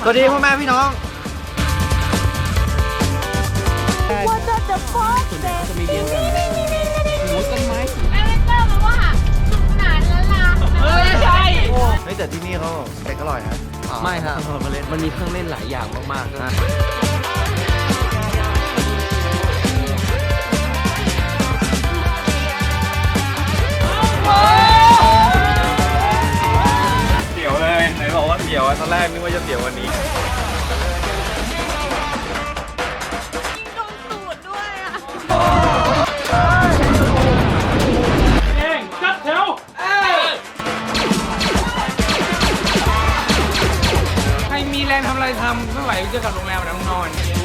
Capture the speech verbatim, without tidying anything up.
สวัสดีพ่อแม่พี่น้อง What the fuck จะมีเรียงกันโอ้ต้นไม้แอดเวนเจอร์แปลว่าสนุกสนานล้านลาเฮ้ยใช่เฮ้ยแต่ที่นี่เขาเด็กอร่อยนะไม่ครับมาเล่นมันมีเครื่องเล่นหลายอย่างมากๆนะเสียวเลยไหนบอกว่าเสียวตอนแรกนึกว่าจะเสียววันนี้โดนตูดด้วยอ่ะเองจัดแถวใครมีแรงทำอะไรทำไม่ไหวจะกลับโรงแรมนะนอน